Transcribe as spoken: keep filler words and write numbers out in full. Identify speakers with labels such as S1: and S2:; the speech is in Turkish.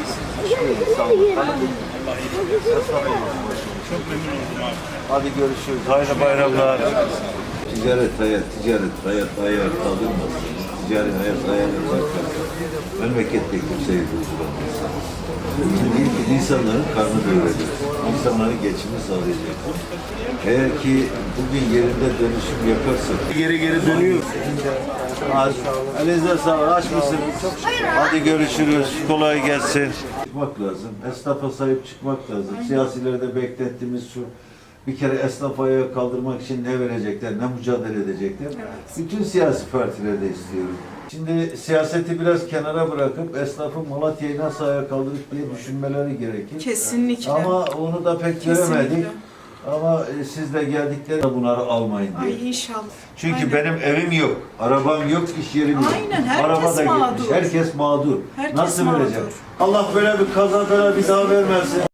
S1: İyi, sağ olun.
S2: Çok memnun oldum abi.
S1: Hadi görüşürüz. Hayırlı bayramlar. Ticaret hayat, ticaret hayat hayat kaldırmasın. Ticari hayat hayat yaparken memlekette kimseyi durduramaz. Çünkü insanların karnı doyuracak. İnsanların geçimi sağlayacak. Eğer ki bugün yerinde dönüşüm yaparsak
S2: Geri geri dönüyor.
S1: Aç. Elinize sağlık. Aç mısın? Hadi görüşürüz. Kolay gelsin. Çıkmak lazım. Esnafa sahip çıkmak lazım. Siyasilerde beklettiğimiz şu bir kere esnafı ayağa kaldırmak için ne verecekler, ne mücadele edecekler. Bütün siyasi partilerde istiyorum. Şimdi siyaseti biraz kenara bırakıp esnafın Malatya'yı nasıl ayağa kaldırıp diye düşünmeleri gerekir.
S3: Kesinlikle.
S1: Ama onu da pek
S3: Kesinlikle.
S1: göremedik. Ama e, siz de geldiklerinde bunları almayın diye.
S3: Ay inşallah.
S1: Çünkü
S3: Aynen.
S1: benim evim yok, arabam yok, iş yerim yok.
S3: Aynen, herkes
S1: Araba da
S3: mağdur.
S1: gitmiş, herkes mağdur.
S3: Herkes
S1: Nasıl
S3: mağdur.
S1: verecek? Allah böyle bir kaza böyle bir daha vermesin.